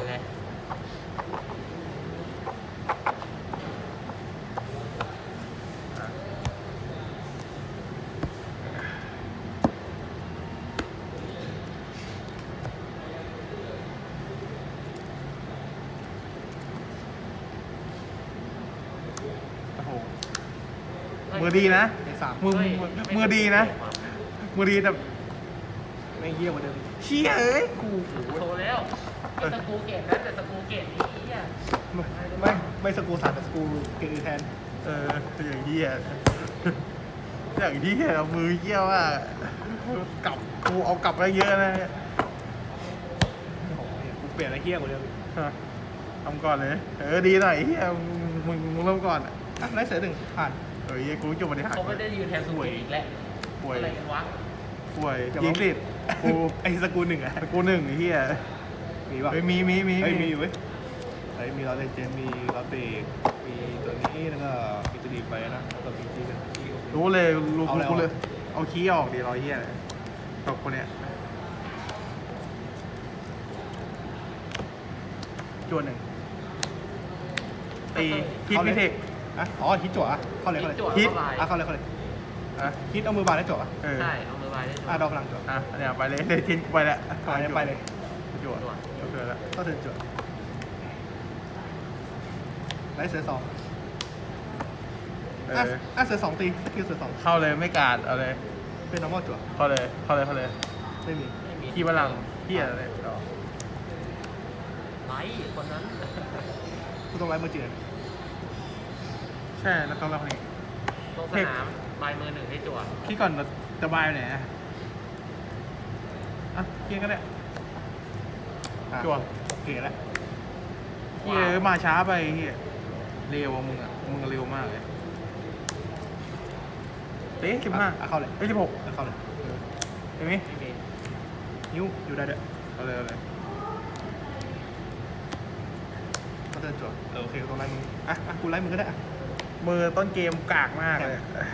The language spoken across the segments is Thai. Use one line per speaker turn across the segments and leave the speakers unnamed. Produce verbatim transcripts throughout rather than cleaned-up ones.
เลย
โอ้โหมือดีนะมือมือดีนะมือดีแต่ไม่เยี่ยมกว่าเดิมเชี่ยเอ้ยกู
โทรแล้วไม่สกูเกตนะแต่สกูเกตนี้อ่ะ
ไม่ไม่ไม่สกูสามแต่สกูเกอื่นแทน
เอออย่างเยี่ยอย่างเยี่ยมือเยี่ยว่ากลับกูเอากลับไปเยอะนะ
โอ้โหกูเปลี่ยนอะไรเฮี้ยกว่าเดิม
ทำก่อนเลยเออดีหน่อยเฮียมึงมึงเริ่มก่อน
อ่ะไล่เสือหนึ่งผ่าน
เออเฮียกูจบบริหาร
เขาไม่ได้ยืนแทนสกูอีกแล้ว
ป่วย
อะไรกันวะ
ป่วยยิงติดกู
ไอ้สกูหนึ่งอะ
กูหนึ่งเฮีย
มีป่ะ
เฮ้ยมีมีมี
เฮ้ยมีอยู่เว้ยเฮ้ยมีลอเรนเจนมีลอเตมีตัวนี้แล้วก็มีตัวดีไปนะแล้วก็มีที่เป็นที่
รู้เลยรู้
เอาแล้ว
กูเลยเอาขี้ออกดีรอยเฮียตกคนเนี้ยจวนหนึ่งตีฮิตมิเทค
อ่ะอ๋อฮิตจั่วอ่ะเข้าเลยเข้าเลย
จั่ว
ฮิต
เข้าไป
อ่ะเข้าเลยเข้าเลย
อ่ะ
ฮิตเอามือบานได้จั่วอ่ะ
เออ
ใช่เอามือไปได้จั่ว
อ่ะดอกพลังจั่ว
อ่ะอันเนี้ยไปเลยเลยทิ้งไปแล้ว
ไปเลยไปเลย
จวด
จั่ว
โอเคแล้ว
เข้าเทิร์นจั่วไล่เสือสอง
เอ
อ่ะ
อ
อ่ะเสือสองตีสกิลเสือสอง
เข้าเลยไม่การเอาเลย
เป็น normal จั่ว
เข้าเลยเข้าเลยเข้าเลย
ไม่มี
ไม่มี
ขี้พลังเฮียอะไรต่อ
ไลท์คนนั้น
กูต้องไล่มือจืด
ใช่แล้วต้องเราคนนี้
ลงสนามใบมือหนึ่งให้จั่ว
คิดก่อนจะบายไปไหนอ่ะอ่ะเกียร์ก็ได้
อ่ะ
จั่ว
โอเคแล้ว
เฮียมาช้าไปเฮียเร็วอ่ะมึงอ่ะมึงเร็วมากเลยเต๊ะสิบห้า
อ่ะเข้าเลย
เอ้ยสิบหก
อ่ะเข้าเลย
เห็นไหม
ไม่มี
นิ้วอยู่ได้ด้วย
เอาเลยเอาเลย
เข้าเทิร์นจั่วเออโอเคกูต้องไล่มืออ่ะอ่ะกูไล่มือก็ได้อ่ะ
มือต้นเกมกากมากเลย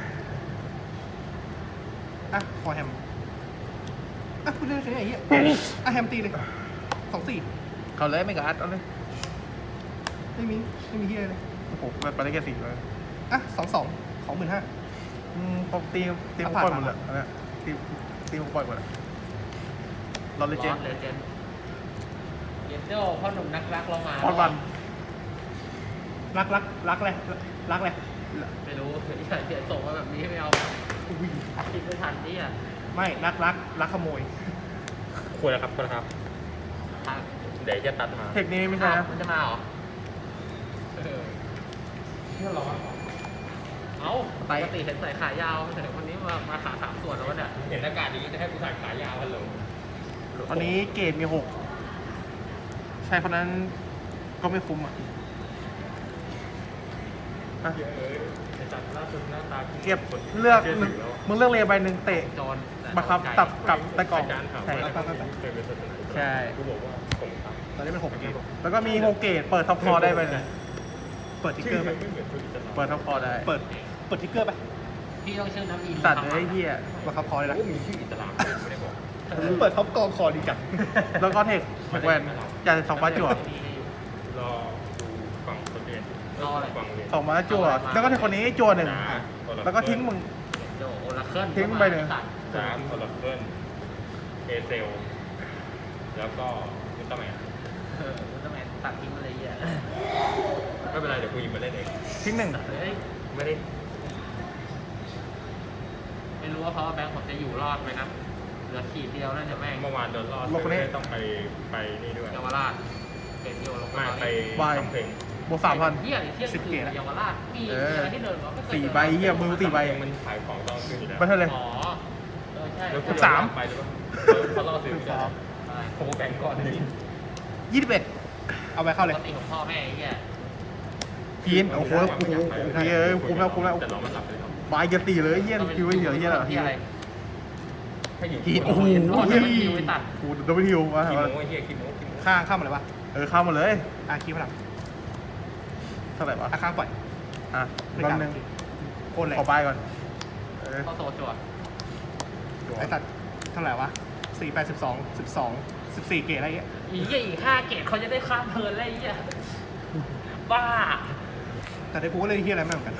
อ่ะคอแฮมอ่ะคุณเล่นแค่ไหนเหี้ยอ่ะแฮมตีเลยสองสี่
เขาเลยไม่การ์ดเอาเลย
ไม่มีไม่มีเฮียเลย
โอ้โหมันไปได้แค่สี่เลย
อ่ะสองสองของหมื่นห้า
อืมปกตีตีผมปล่อยหมดเลยอันเนี้ยตีตีผมปล่อยหมดเลยเราเลยเจน
เลเจนเยนโจ้พ่อหนุ่มนักรักเรามา
พอดวัน
รักรักรักเลยรักเลย
ไม่รู้ที่ใส่เสียส่งมาแบบนี้ไม่เอา
อุ้ย
คิดไม่ทันนี่อ่ะ
ไม่รักรักรักขโมย
ควรนะครับควรนะครับ
ทาง
เดี๋ยวจะตัดมา
เทคนี้ไม่ใช่นะ
มันจะมาเหรอเออ
นี่เราอะ
เอ้าปกติเห็นใส่ขายาวแต่คนนี้มามาขาสามส่วนแล้ววะเนี่ย
เห็นอากาศอย่างนี้จะให้กูใส่ขายาวฮัลโหล
ตอนนี้เกรดมีหกใช่เพราะนั้นก็ไม่คุ้มอ่ะอ่ะ
เยอะเลยไอ้จัดล่าสุดหน้าตา
เก็บเลือกหนึ่งมึงเลือกเรียใบหนึ่งเตะ
โจร
บังคับตับกับตะกล่อง
อาจารย์ถาม
ใช่
ว่าเคยเป็นศาสนา
ใช่
กูบอกว่าผมครับ
ตอนนี้เป็นหกเกม
แล้วก็มีโฮเกตเปิดท็อปคอได้ไปเลย
เปิดทิกเก
ชื่
อ
อ
ร์ไป
มันไม่เหมือนธุรกิจ
เปิดท็อปคอได้
เปิดเปิดทิกเกอร์ไป
พี่ต้องชื่อน้ำอิน
ตัดเลยไอ้เหี้ย
มาขับคอเลยนะ
กูมีชื่ออิสลามไม่ได้บอก
เปิดท็อปกองคอดีจัง
แล้วก็เทคแม็กแวนจ่ายสองบาทจั่ว
รอดูฝั่งคนเรียน
รออะไร
ฝั่งเรียน
สองบาทจั่วแล้วก็เทคคนนี้จั่วหนึ่งแล้วก็ทิ้งมึง
โจโอลาเคิล
ทิ้งไปเลย
จ้าคอร์เคิลเอเซลแล้วก็มิสเตอร์แมน
เอออุลตร้าแมนตัดทิ้งอะไรเงี้ย
ไม่เป็นไรเดี๋ยวกูหยิบมาเล่นเอง
ทิ้งหนึ่ง
เฮ้ย
ไม่ได้
ไม่รู้ว่าเพราะว่าแบงค์ผมจะอยู่รอดไหมนะเหลือขีดเดียวนั่นจะแม่ง
เมื่อวานโดนรอดไม่ได้ต้องไปไปนี่ด้วย
เยาวราชเป็นโยลง
ไม่ไปทำเพลง
บวกสามพัน
เที่ยงเที่ยงคืนเยาวราชมีอะไรที่เดินมาไม่เคย
สี่ใบเหี้ยมือสี่ใบ
มันขายของตอนคืนอยู่แล้ว
ไปเท่าไหร่
อ๋อเออใช่
แล้วกู
สาม
ไปหรือเปล่าเขาล่อซื้อไม่ได้ผมแบ่งก่อนเลย
ยี่สิบเอ็ด
เอาไปเข้าเลย
ปกติของพ่อแม่ไอ้เงี้ย
พีนโอ้โหโอ้โหโอ้โหเฮ้ยคุ้มแล้วคุ้มแล้ว
แต่เรามันหลับไปแล้ว
บายจะตีเลยเยี่ยนคิวไม่เหลือเยี่ยนเหรอ
ที่อะไร
ถ้าหยิบ
พีนโอ้โห
รอด
เฮ้ย
มันคิวไปตัด
โอ้โหดับเบิลคิววะ
คิโมไอ้เหี้ยคิโมคิโม
ข้างข้างมาเลยวะ
เออเข้ามาเลย
อ่ะคีพลัง
เท่าไหร่วะ
อ่ะข้างปล่อย
อ่ะ
ไม่
แป๊
กล้า
บนึง
โอนเลย
ขอบายก่อนเออ
เข้าโซจวด
ไอ้สัตว์เท่าไหร่วะสี่แปดสิบสองสิบสอง
สิบสี่เกตอะไรเงี้ย
อีเหี้ยอีกห้าเกตเขาจะได้ข้ามเทิร์นแล้วไอ้เหี้ยบ้า
แต่ได้กูก็เล่นเฮียอะไรไม่เหมือนกัน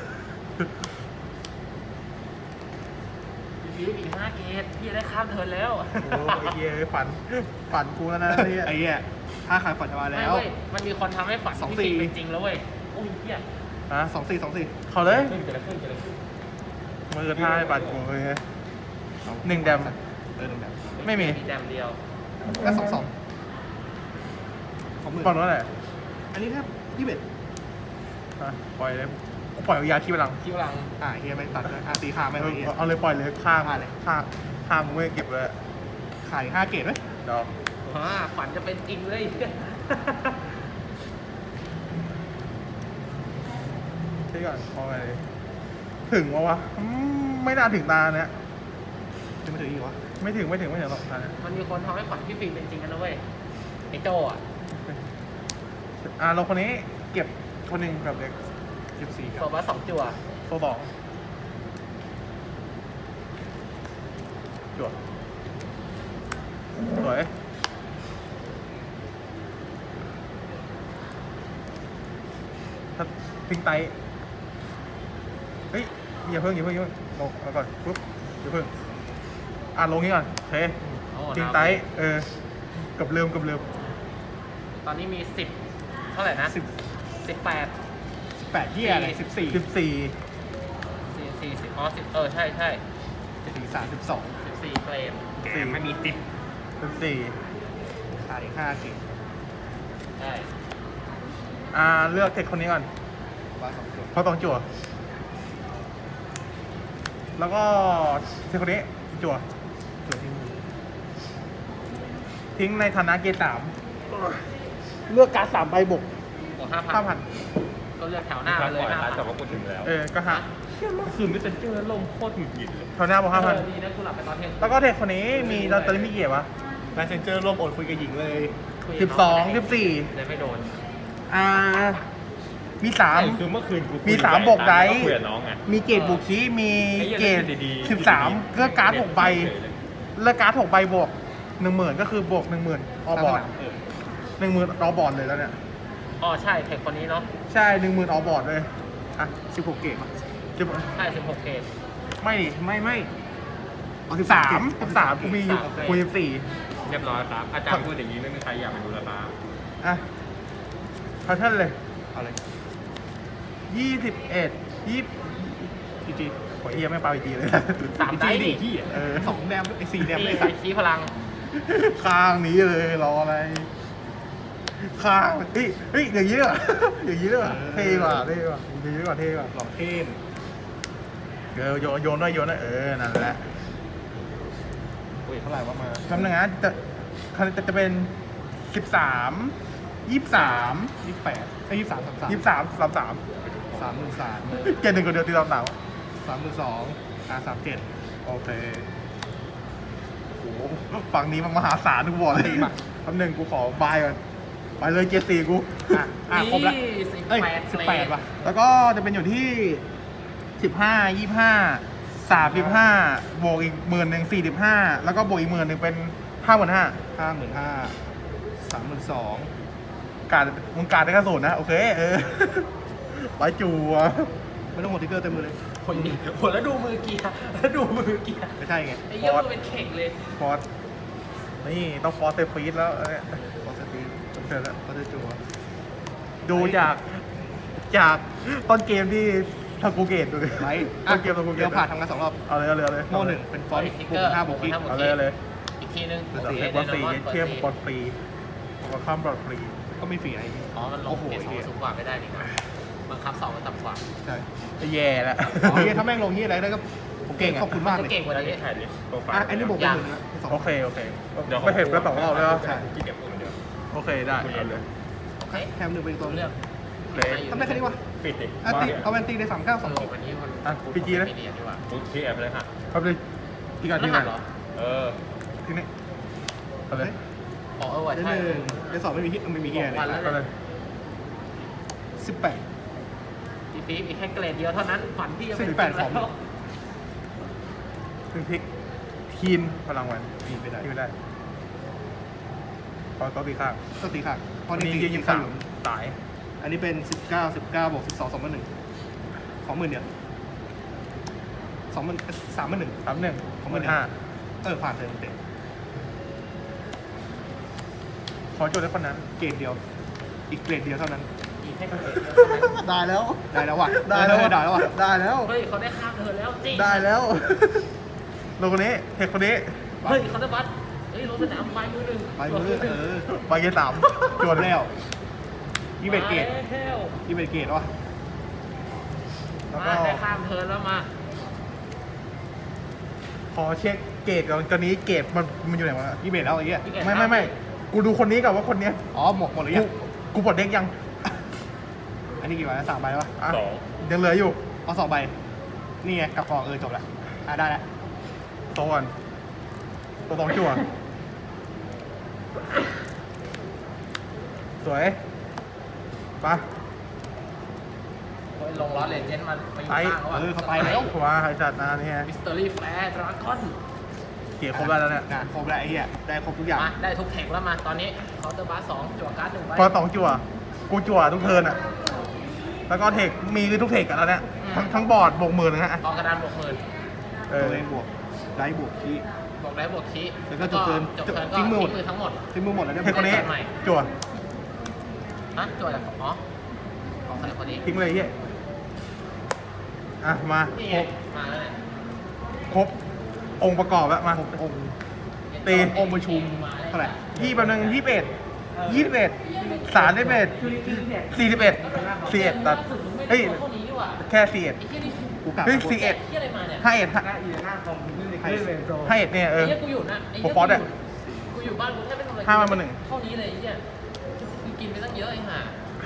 อีกอีกห้าเกตพี่จะได้ข้ามเทิร์นแล้ว
โอ้ไอ้เฮียฝันฝันกูแล้วนะไอ้เฮียถ้าขายฝันจะมา
ไม่
แล้ว
เว้ยมันมีคนทำให้ฝัน
สอง
พี่
สี่
ฟิล์มเป็นจริงแล้วเว้ยโอ้ยเหี้ย
ฮะสองสี่สองสี่เขาเลย
ขึ้นเกิดอะไรขึ้นเกิดอะไรขึ้น
มือท่าให้ปัดกูเลยหนึ่งแดม
เออหนึ่งแบบ
ไม่มี
แดมเดียว
ก็สองสองของมือ
ฝั่งนู้นแหละ
อันนี้ครับยี่สิบเอ็ด
อ่ะปล่อยเลยกูปล่อยเอายาขี้พลัง
คิวหลัง
อ่าเฮียไม่ตัดเลยอ่าตีขาไม่
เอ
เอา
อ
เฮีย
เอาเลยปล่อยเลยข้าม
ฆ่าเลย
ข้ามข้ามมึงไม่เก็บเลย
ขายห้าเกตไหม
เดี๋ยว
อ่าฝันจะเป็นจริงเลย
ใช่ก่อนพอไปเลยถึงวะวะอืมไม่น่าถึงตาเนี่ย
จะไม่ถึงอีกวะ
ไม่ถึงไม่ถึงไม่ถึงหรอกตาเนี่ย
มันมีคนทำให้ฝันพี่ฟิล์มเป็นจริงกันนะเว้ยไอ้โจอ่ะ
อ่าเราคนนี้เก็บคนหนึ่งกับเด็ก
สิบสี่
โซบัสสองจั่ว
โซสองจวดสวยถ้าทิ้งไตเฮ้ยอย่าเพิ่งอย่าเพิ่งอย่าเพิ่งลงเอาก่อนปุ๊บอย่าเพิ่งอ่านลงนี้ก่อนโอเค
โอ้
ทิ้งไตเออกับเริ่มกับเริ่ม
ตอนนี้มีสิบเท่าไหร่นะ
สิบ
สิบแปด
สิบแปดเฮียอะไรสิบสี่
สิบสี่
สี่สี่สิบอ๋อสิบเออใช่ใช่
สี่สามสิบสอง
สิบสี่เกรด
สี่ไม่มีติดสิบสี่
ขายห้าเกต
ใช่
อ่าเลือกเทคคนนี้ก่อน
ว่าสองส่วน
เพราะต้องจั่วแล้วก็เทคคนนี้จั่ว
ส่วนที่มือ
ทิ้งในฐานะเกรดสามเลือกการ์ดสามใบบวก
บวกห้าพัน
ห้าพัน
ก็เลือกแถวหน้า
ค
ไป
รั้ง
เลย
ก่อน
ห้า
ร้าน
พัน
แต่ว่ากูถึงแล้ว
เออก็ห้า
เชื่อเมื่อคืนไม่เป็นเจอลมโคตรหงุดหงิดเลย
แถวหน้าบวกห้าพัน
เออดีนะกูหลับไปตอนเที่ยง
แล้วก็เทคคนนี้มีตอนตอนนี้มีเกียร์วะ
ลายเซนเจอร์ร่วมอดคุยกับหญิงเลย
คุย
สิ
กั
บบ สองสิบสี่
เลยไม่โดน
อ่ามีสาม
ใช่คือเมื่อคืนกูคุย
มีสาม
กั
บอกได
คุยกับน้องไง
มีเกรดบุคีมี
ไอ้เหี้ย
เกรด
เล่นดีๆ
สิบสาม
ดีๆ
เลือกการ์ดหกใบ
เฉยเลย
เลือกการ์ดหกใบบวกหนึ่งหมื่นก็คือบวกหนึ่งหมื่นออบอร์ด
เออ
หนึ่งหมื่นออบอร์ดเลยแล้วเนี่ย
อ๋อใช่เทคคนนี้เนาะ
ใช่หนึ่งหมื่นออบอร์ดเลยอ่ะ
สิบหกเกตป่ะ
สิบ
ใช่สิบหกเกรด
ไม่ดิไม่ไม่สิบสามสิบสามกูมีอยู่
โอเค
กูสิบสี่
เรียบร้อยครับ อาจารย์พูดอย่างนี้ไม่มีใครอยากมาดูแลป้า
อ่ะพาท่านเลย
เอาเลย
ยี่สิบเอ็ดยี่
จีจี
ขอเอียไม่เปล่าอีกทีเลย
สามได้ดิ
ที่
เออ
สองแดมไอ้สี่แดม
นี่
ไอ้
ใส่
สัตว์
ชี้พลัง
ข้างนี้เลยรออะไร ข้างเฮ้ยเฮ้ยอย่างนี้เหรออย่างนี้เหรอเท่กว่าเท่กว่าอย่างนี้กว่าเท่กว่า
หล่อเทม
เดี๋ยวโยนโยนด้วยโยนด้วยเออนั่นแหละ
อุ้ยเท่าไหร่ว่ามา
คำนึงนะจะจะจะเป็นสิบสามยี่สาม
ยี่สิบแปดไอ้ยี่สิบสามสามสาม
ยี่สามสามสาม
สามหมื่นสาม
เกณฑ์หนึ่งคนเดียวตีสามสาม
สามหมื่นสองอ่าสามเจ็ด
โอเคโอ้โหฝั่งนี้มันมหาศาลทุกบอกเลยคำหนึ่งกูขอบายก่อนไปเลยเกียร์สี่กู
อ่ะอ่ะครบละ
สิบ
เอ้ย
แปด
สิบแปดว่ะ
แล้วก็จะเป็นอยู่ที่สิบห้ายี่ห้าสามสิบห้าบวกอีกหมื่นหนึ่งสี่สิบห้าแล้วก็บวกอีกหมื่นหนึ่งเป็นห้าหมื่นห้า
ห้าหมื่นห้าสามหมื่นสอง
การมึงการได้แค่ศูนย์นะ โอเค เออ ไปจูวะ
ไม่ต้องหมดทิกเกอร์เต็มมือเลย
คนนี้โหแล้วดูมือเกียร์แล้วดูมือเกียร์
ไม่ใช่ไง
ไอ้เหี้ยมือเป็นเข่งเลย
ฟอร์สนี่ต้องฟอร์สเซฟฟีดแล้วเออ
คอสตี
จบเสร็จแล้ว
คอสตีจัว
ดูจากจากต้นเกมที่ทากูเกตดูดิ
ไลท์
ต้นเกมทากูเก
เดี๋ย
ต
วผ่านทำงานสองรอบ
เอาเลยเอาเลยเอาเลย
โม่หนึ่งเป็นฟอนต์บวกห้าบวกอีก
เอาเลยเอาเลย
อีกทีนึง
เดี๋ยวเทคบอลฟรีเทียบบอลฟรีบอลข้ามบอลฟรี
ก็ไม่ฟรีไอ้
อ๋อ มันลงเกรดสองสูงกว่าไม่ได้นี่นะบังคับสองมันต่ำกว่า
ใช่
แย่แล้ว
อ๋อเฮียถ้าแม่งลงเฮียอะไรได้ก็
ผมเก่งอะ
ขอบคุณมากเลย
เก่งกว่า
แล้ว
นี้
นี่ถ่ายดิโปรไฟล์
อ่ะอันนี้บวกไปหมื่นนะสอง
โอเคโอเค
เดี๋ยว
ไม่เห็นแล้วแบบว่าเราเลย
ใช่
กี่เก็บพูดเหมือนเดิม
โอเคได้เอาเลย
โอเค
แถมหนึ่งไปอีกตัว
เลือก
โอเค
ทำได้แค่นี้วะ
ปิดดิ
อ่ะ
ว่า
ตี
เนี่ย
เอาแวนตีได้สามเก้า
ส
สอง
รุปวันนี้คน
อ่ะพีจีเลย
ไม่ดีดีกว่า
ปุ๊บที่แอปเลยฮะ
ครับเลยที่การ
ร
ที่ไห
หั
น
สเหรอ
เออ
ที่นี่เอาเลย
อ๋อเออว่ะ
ได้
ใช่
หนึ่งได้สองไม่มีฮิตไม่มีเฮีย
วัน
เล
แล้
ยว
เอาเลย
สิบแปด
ปีปีอีกแค่เกรดเดียวเท่านั้นฝันพี่จะเป็น
สิบแปดของ
แล้ว
ถึงพลิกทีมพลังวัน
มีไปได้
ทีมไม่ได้อก็ตีข้าง
ก็ตีข้างเพราะ
อัน
นี่
นี้
ตี
ยืนยิง
ข้า
สาง ม
หลุม
ตาย
อันนี้เป็นสิบเก้าสิบเก้าบวกสิบสองสองพันหนึ่งของหมื่นเดียวสองหมื่นสามพันหนึ่ง
สามหนึ่ง
ของหมื่น
ห้า
เออผ่านเทิร์นเต็ม
ขอโจทย์ได้คนนั้น
เกรดเดียว อีกเกรดเดียวเท่านั้น
อีกแค่เกรดเดียวเท่านั้น
ได้แล้ว
ได้แล้วว่ะ
ได้แล้ว
เออได้แล้วว่ะ
ได้แล้ว
เฮ้ยเขาได้ข้ามเธอแล้วจริง
ได้แล้วลงคนนี้เทคคนนี้
เฮ้ยเขาได้บัตรเฮ้ยลงสนามไปมือหนึ่ง
ไปมือเออ
ไปเกมสามจวด
แล้วยี่สิบเอ็ดเกรด
เฮ้ย
ยี่สิบเอ็ดเกรดวะ
แล้ว
มา
ก็
ได้ข้ามเธอแล้วมา
ขอเช็คเกรดก่อนตอนนี้เกรดมันมันอยู่ไหนวะ
ยี่สิบเอ็ดแล้วไอ้เหี้ย
ไม่ไม่ไม่กูดูคนนี้ก่อนว่าคนเนี้ย
อ๋อหมดหมดเลย
กู
ยัง
กูปลดเด็กยัง
อันนี้กี่ใบแล้วสามใบวะ
อ่ะ
สอง
ยังเหลืออยู่
เอาสองใบนี่ไงกับกองเออจบละอ่ะได้ละ
โตก่อนตัวสองจั่วสวยไป
เฮ้ยลงล้อเลนเจนด์มาไปอยู่
ไป
ข้างแล้ว
เออเข้าไปแล้ว
ว้าไอ้จัดนะเนี่ย
มิสเตอรี่แฟร์ดราก้อน
เกรดครบแล้วเนี่ย
งานครบแล้วไอ้เหี้ยได้ครบทุกอย่าง
มาได้ทุกเทคแล้วมาตอนนี้เคาน์เตอร์บาร์สองจั่วการ์ดหนึ่งใบ
พอสองจั่วกูจั่วทุกเทิร์นอ่ะแล้วก็เทคมีทุกเทคกันแล้วเนี่ยทั้งทั้งบอร์ดบวกหมื่นนะฮะ
กองกระดานบวกหมื่น
เอ
ตัว
อ
เองบวกได้บวกคี
บวกได้บวกคี
แล้วก็จบเทิร์น
จบเทิร์นก็
ทิ้
ทิ้
ง
ง
มื
มื
อหมด
อทั้งหมด
ที่มือหมดแล้วเนี่ย
เทคคนนี้
ใหม่
จั่ว
ฮะจั่วจากอ๋อของใครคนนี้
ทิ้งเลยไอ้เฮียอ่ะมา
นี่
ค
ไง
รบ
มาแล้วเนี่ย
ครบองค์ประกอบแล้วมา
ครบองค์
ตี
องค์ประชุมเท่าไหร่
ยี่แป๊บนึงยี่สิบเอ็ดยี่สิบเอ็ดสามสิบเอ็ดสี่สิบเอ็ดสี่เอ็ดตัดเฮ้ย
เท่านี้ดีกว่า
แค่สี่เอ็ด
ไอ้เหี้ยนี่
กูกลับ
เฮ้ย
มา
สี่เอ็ด
เหี้ยอะไรมาเนี่ย
ห้าเอ็ดห้า
ให้
ห้าเอ็ดเนี่ยเอ
ไอ้
อ
เหี้ยกูอยู่นะไอ้
โปร
เหี้ย
ฟอร์สอะ
กูอยู่บ้านกูแค่ไม่ทำอะไร
ห้าวันมาหนึ่ง
เท่านี้เลยไอ้เหี้ยกูกินไปตั้งเยอะไอ้ห่า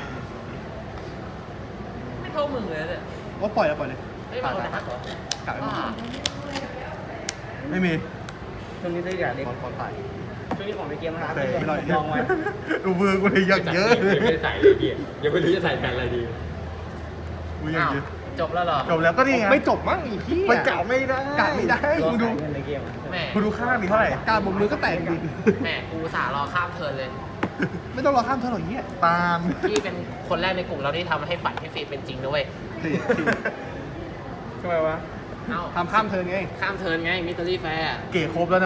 ไม่เท่ามึงเลยเนี่ย
ว่าปล่อยแล้วปล่อยเลย
เฮ้ยมาเอาแต่ฮักเหรอก
ลับไปหมด
บ้า
ไม่มี
ช่วงนี้ได้อย่างเด็กคนตาย
ช่วงนี้ของในเกมนะครับ
เตะ
ไม่รอด
ลองไว้ดูมือกูเลยยังเยอะ
ยังไม่ได้ใส่เลยพี่ยังไม่รู้จะใส่แบรนด์อะไรดี
กูยัง
อ้าว
เยอะ
จบแล้วเหรอ
จบแล้วก็นี่ไง
ไม่จบมั้งอีกที่
มันกะไม่ได้
กะไม่ได้
มึงดู
แม่
มึงดูข้างดิเท่าไหร่
การบนมือก็แตกดิ
แม่กูอุตสาห์รอข้ามเทิร์นเลย
ไม่ต้องรอข้ามเท่าไหร่เงี้ย
ตาม
พี่เป็นคนแรกในกลุ่มเราที่ทำให้ฝันพี่ฟีเป็นจริงด้วย
สี่
ทำไมวะ
เอ้า
ทำข้ามเทิร์นไง
ข้ามเทิร์นไงมิสเตอรี่แฟร์
เก๋ครบแล้ว